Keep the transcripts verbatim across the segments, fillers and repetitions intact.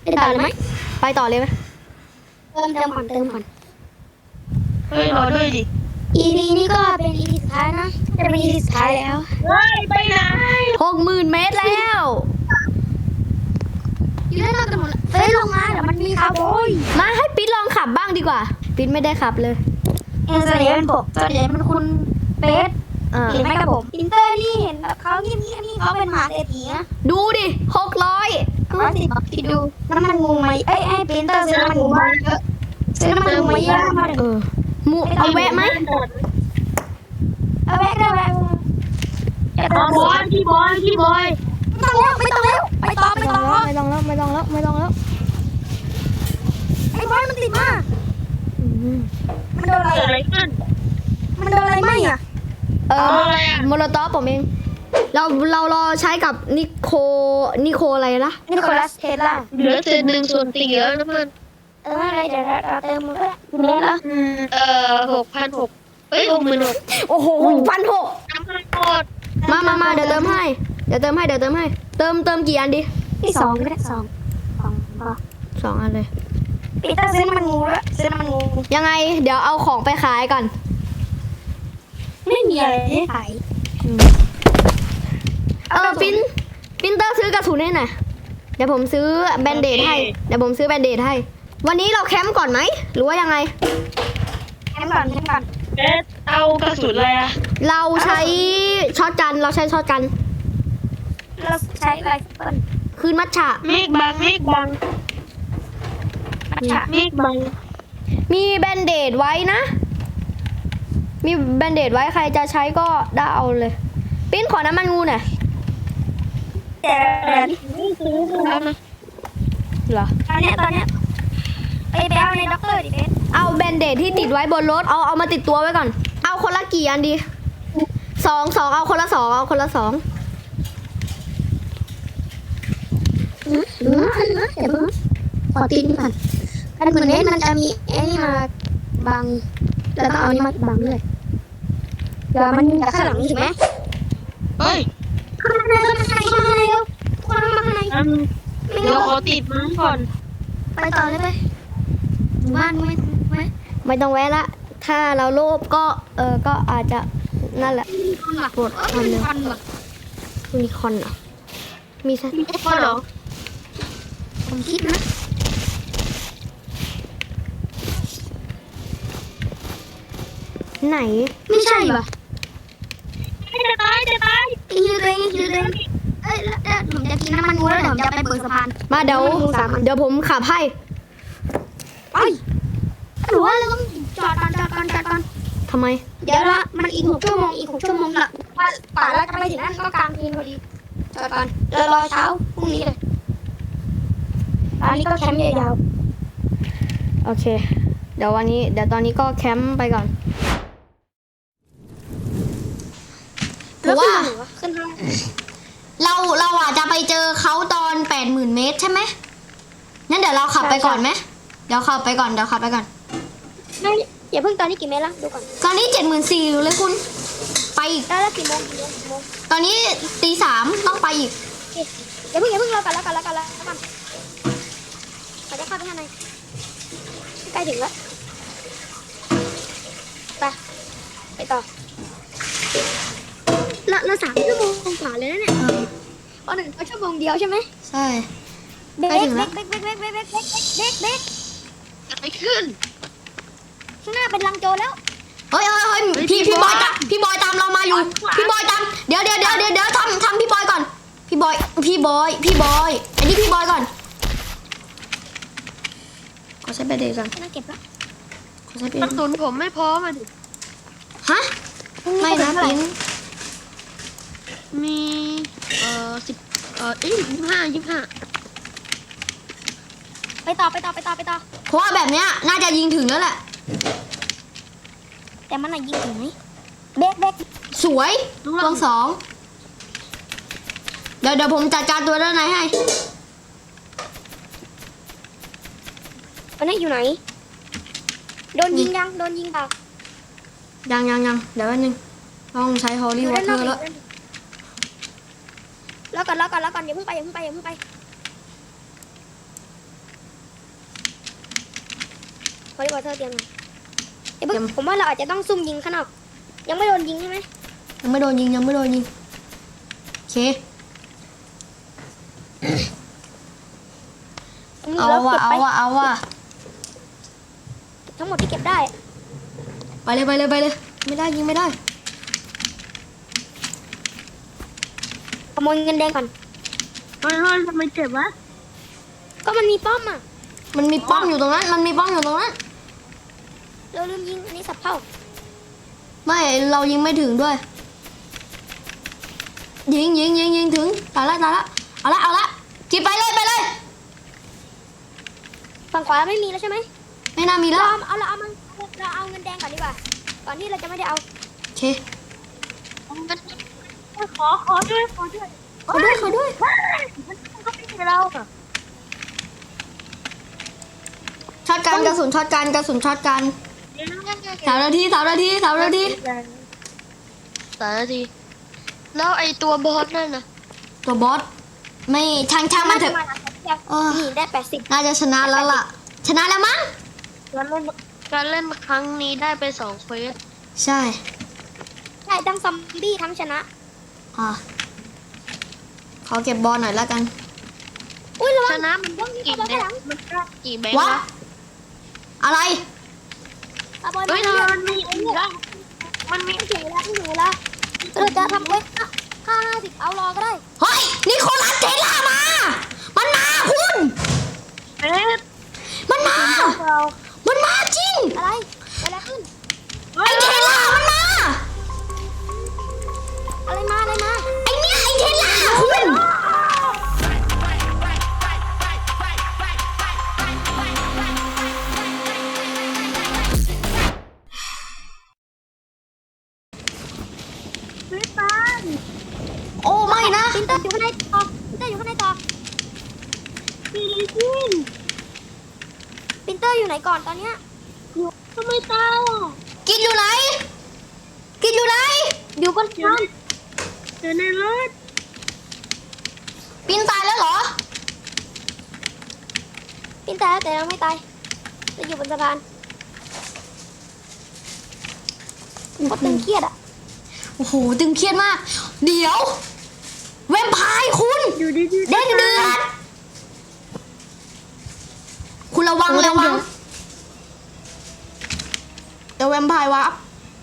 ไปต่อเลยไหมไปต่อเลยไหมเติมเติมก่อนเติมก่อนเฮ้ยรอด้วยดิอี พี นี้ก็เป็น อี พี สุดท้ายนะจะเป็น อี พี สุดท้ายแล้วเฮ้ยไปไหนหกหมื่นเมตรแล้วอยู่ด้านนอกกันหมดแล้วเฮ้ยลงมาเดี๋ยวมันมีคาร์บอยมาให้ปิ๊ดลองขับบ้างดีกว่าปิ๊ดไม่ได้ขับเลยเอ็นเซเลียนผมส่วนใหญ่เป็นคุณเบสอ่าหรือไม่กับผมอินเตอร์นี่เห็นแบบเขาเงียบๆนี่เขาเป็นมหาเศรษฐีนะดูดิหกร้อยร้อยสิบคิดดูน้ำมันงูไหมเอ้ยไอ้ปรินเตอร์ซื้อน้ำมันงูมาเยอะซื้อน้ำมันงูมาเยอะมากเลยเออหมูเอาแวะไหมเอาแวะได้แวะอย่าบต้อองลบอลพี่บอยพี่บอยไม่ต้องแล้วไม่ต้องแล้วไปต่อไปไม่ต่ต้อองแล้วไม่ต้องแล้วไม่ต้องแล้วไม่ต้องแล้วไอ้บอยมันติดมาอืมมันโดนอะไรเกิดอะไรขึ้นมันโดนอะไรไหมอ่ะเออเอาอะไรอะโมโลตอฟผมเองเราเรารอใช้กับนิโคนิโคอะไรนะนิโคลัสเทสลาเหลือเศษหนึ่งส่วนสี่แล้วนะเพื่อนเอออะไรเดี๋ยวเราเติมมันก็ได้เล่นแล้วอืมเอ่อหกพันหกเอ้ยหกหมื่นหกโอ้โหพันหกน้ำมันหมดมามามาเดี๋ยวเติมให้เดี๋ยวเติมให้เดี๋ยวเติมให้เติมเติมกี่อันดีที่สองก็ได้สองสองพอสองอันเลยปีเตอร์ซื้อน้ำมันงูแล้วซื้อน้ำมันงูยังไงเดี๋ยวเอาของไปขายก่อนไม่มีอะไรให้ขายเออปินปินเตอร์ซื้อกระสุนให้หน่อยเดี๋ยวผมซื้อแบนเดดให้เดี๋ยวผมซื้อแบนเดดให้ วันนี้เราแคมป์ก่อนไหมหรือว่ายังไงแค่ก่อนแค่ก่อนเอ๊ะเอากระสุนอะไรอะเราใช้ช็อตกันเราใช้ช็อตกันเราใช้ไรเฟิลคืนมัทฉะเมฆบังเมฆบังมัชชะเมฆบังมีแบนเดดไว้นะ มีแบนเดดไว้ใครจะใช้ก็ได้เอาเลยปิ้นขอน้ำมันงูหน่อยแต่แต่นี่ซื้อแล้วนะเหรอตอนเนี้ยตอนเนี้ยไปไปเอาในด็อกเตอร์ดิเบสเอาแบนเดดที่ติดไว้บนรถเอาเอามาติดตัวไว้ก่อน เอาคนละกี่อันดีสองสองเอาคนละสองเอาคนละสองอืมอืมเดี๋ยวเพิ่งขอตีนก่อนกันเหมือนนี้มันจะมีไอ้นี่มาบังแล้วก็เอานี่มาบังเลยเดี๋ยวมันจะข้างหลังนี่ถูกไหมเฮ้ยข้างในข้างในข้างในเร็วคนมาข้างในอันเดี๋ยวขอติดมันก่อนไปต่อเลยไปหมู่บ้านไม่ไม่ไม่ต้องแวะละ ถ้าเราโลภก็เออก็อาจจะนั่นแหละคนว่ะปวดคอนเลยคนว่ะมีคอนเหรอมีซะพอเหรอผมคิดนะไหนไม่ใช่ว่ะจะตายจะตายกินยูตัวเองกินยูตัวเองเอ้ยแล้วแล้วผมจะกินน้ำมันงูแล้วเดี๋ยวผมจะไปเบิกสะพานมาเดี๋ยวเดี๋ยวผมขับให้ไปหรือว่าเราต้องจอดก่อนจอดก่อนจอดก่อนทำไมเดี๋ยวละมันอีกหกชั่วโมงอีกหกชั่วโมงละว่าป่าเราจะไปถึงนั่นก็กลางคืนพอดีจอดก่อนเดี๋ยวรอเช้าพรุ่งนี้เลยตอนนี้ก็แคมป์ยาวโอเค เดี๋ยววันนี้เดี๋ยวตอนนี้ก็แคมป์ไปก่อนๆเพราะว่าขึ้นทางเราเราอ่ะจะไปเจอเขาตอนแปดหมื่นเมตรใช่ไหมงั้นเดี๋ยวเราขับไปก่อนไหมเดี๋ยวขับไปก่อนเดี๋ยวขับไปก่อนไม่อย่าเพิ่งตอนนี้กี่เมตรละดูก่อนตอนนี้เจ็ดหมื่นสี่เลยคุณ ไปอีกได้แล้วกี่โมงกี่โมงกี่โมงตอนนี้ตีสามต้องไปอีกอย่าเพิ่งอย่าเพิ่งรอกันแล้วกันแล้วกันแล้วกันเราจะเข้าไปข้างในใกล้ถึงแล้วไปไปต่อเราเราสามชั่วโมงกว่าเลยนะเนี่ยอ๋อหนึ่งก็ชั่วโมงเดียวใช่ไหมใช่เบรใกล้กถึงเบรแล้วกเบรกเบรกเบรกเบรกเบรกเบรกเบรกเบรกอะไรขึ้นข้างหน้าเป็นลังโจรแล้วเฮ้ยเฮ้ยเฮ้ยพี่พี่บอยตามพี่บอยตามเรามาอยู่ พี่บอยตามเดี๋ยวเดี๋ยวเดี๋ยวเดี๋ยวเดี๋ยวทำทำพี่บอยก่อน พี่บอยพี่บอยพี่บอยอันนี้พี่บอยก่อนขอใช้แบตเตอรี่ก่อนน่าเก็บแล้วขอใช้แบตกเตอระรี่สุนผมไม่พร้อมอ่ะดิฮะไม่นะปิ้นมีเอ่อสิบเอ่อยี่สิบห้ายี่สิบห้าไปต่อไปต่อไปต่อไปต่อเพราะว่าแบบเนี้ยน่าจะยิงถึงแล้วแหละแต่มันน่ะยิงถึงไหมเบรกเบรกสวยดวงสองเดี๋ยวเดี๋ยวผมจัดการตัวด้านในให้ตอนนี้อยู่ไหนโดนยิงยังโดนยิงเปล่ายังยังยังเดี๋ยวแป๊บนึงต้องใช้ฮอลอลี่ยู่วอด้านเตนออกร์แล้วแล้วก่อนแล้วก่อนแล้วก่อนอย่าเพิ่งไปอย่าเพิ่งไปอย่าเพิ่งไปริบอเทอร์เตรียมหน่อยเดี๋ยวเพิ่งผมว่าเราอาจจะต้องซุ่มยิงข้างนอกยังไม่โดนยิงใช่ไหมยังไม่โดนยิงยังไม่โดนยิงโอเค เอาแล้วว่ะเก็บเอาไปว่ะเอาว่ะทั้งหมดที่เก็บได้ไปเลยไปเลยไปเลยไม่ได้ยิงไม่ได้ขโมยเงินแดงก่อนเฮ้ยเฮ้ยทำไมเจ็บวะก็มันมีป้อมอ่ะมันมีป้อมอยู่ตรงนั้นมันมีป้อมอยู่ตรงนั้นเราลืมยิงอันนี้สับเผ่าไม่เรายิงไม่ถึงด้วย ยิงยิงยิงยิงถึงตายละตายละเอาละเอาละกินไปเลยไปเลยฝั่งขวาไม่มีแล้วใช่ไหมไม่น่ามีแล้เราวเอาเอาเราเอามันเราเอาเงินแดงก่อนดีกว่าก่อนที่เราจะไม่ได้เอาโอเคขอขอด้วยขอด้วยเขาด้วยเขาด้วยมันก็ไม่ใช่เราอะช็อตกันกระสุนช็อตกันกระสุนช็อตกันสามนาทีสามนาทีสามนาทีสามนาทีแล้วไอตัวบอสนั่นน่ะตัวบอสไม่ช่างช่างมันเถอะ เออนี่ได้แปดสิบน่าจะชนะแล้วล่ะ ชนะแล้วมั้งการเล่นการเล่นครั้งนี้ได้ไปสองเควสใช่ใช่ทั้งซอมบี้ทั้งชนะอ่ะขอเก็บบอลหน่อยแล้วกันอุ้ยระวัชงนะมันต้องกี่แบงค์มันก็กี่แบงค์วะวะอะไรเอาบอลเฮ้ยมาเธอเลือกมันมีอีกแล้วมันมีไม่ถึงแล้วไม่ถึงแล้วเราจะทำเว้ยห้าห้าสิบเอารอก็ได้เฮ้ยนิโคลัสเทล่ามา มันมาคุณเอ๊ะมันมาเรามันมาจริงอะไรเกิดอะไรขึ้นเฮ้ไอย เทล่ามันมาอะไรมาอะไรมาไอเนี้ยไอเทล่าคุณซื้อตานโอ้ไม่นะปินเตอร์อยู่ข้างในต่อปินเตอร์อยู่ข้างในต่อซีรีส์ปินเตอร์อยู่ไหนก่อนตอนเนี้ยอยู่ทำไมตายอ่ะกินอยู่ไหน กินอยู่ไหนอยู่บนอยู่ชั้นในอยู่ในรถปินตายแล้วเหรอปินตายแล้วแต่ยังไม่ตายจะอยู่บนสะพานเขาตึงเครียดอ่ะโอ้โหตึงเครียดมาก เดี๋ยว แวมไพร์คุณอยู่ดีๆเด้งเดือดคุณระวังระวังเดี๋ยวแวมไพร์วับ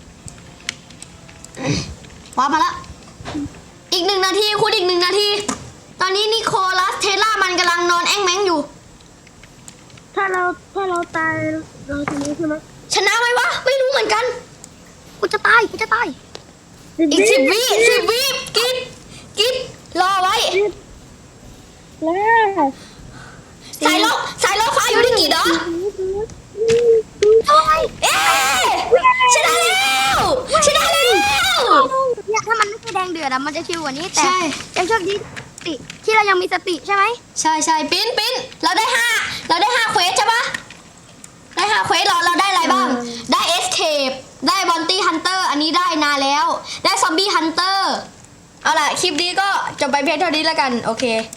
วับมาแล้วอีกหนึ่งนาทีคุณอีกหนึ่งนาที ตอนนี้นิโคลัสเทสลามันกำลังนอนแอ้งแม้งอยู่ถ้าเราถ้าเราตายเราชนะใช่ไหมชนะไหมวะ ไม่รู้เหมือนกันกูจะตายกูจะตายอีกสิบวิสิบวิกินกินรอไว้แล้วสายโลสายโลฟ้าอยู่ที่กี่ดอกเอ๊ะชนะแล้วชนะแล้วเนี่ยถ้ามันไม่ใช่แดงเดือดอะมันจะชิวกว่านี้แต่ใช่ยังโชคดีสติที่เรายังมีสติใช่ไหมใช่ใช่ปิ้นปิ้นเราได้ห้าเราได้ห้าเควสใช่ปะได้ห้าเควสเราเราได้อะไรบ้าง ได้เอสเคปได้บอนตี้ฮันเตอร์อันนี้ได้นานแล้ว ได้ซอมบี้ฮันเตอร์เอาล่ะคลิปนี้ก็จบไปเพียงเท่านี้แล้วกันโอเค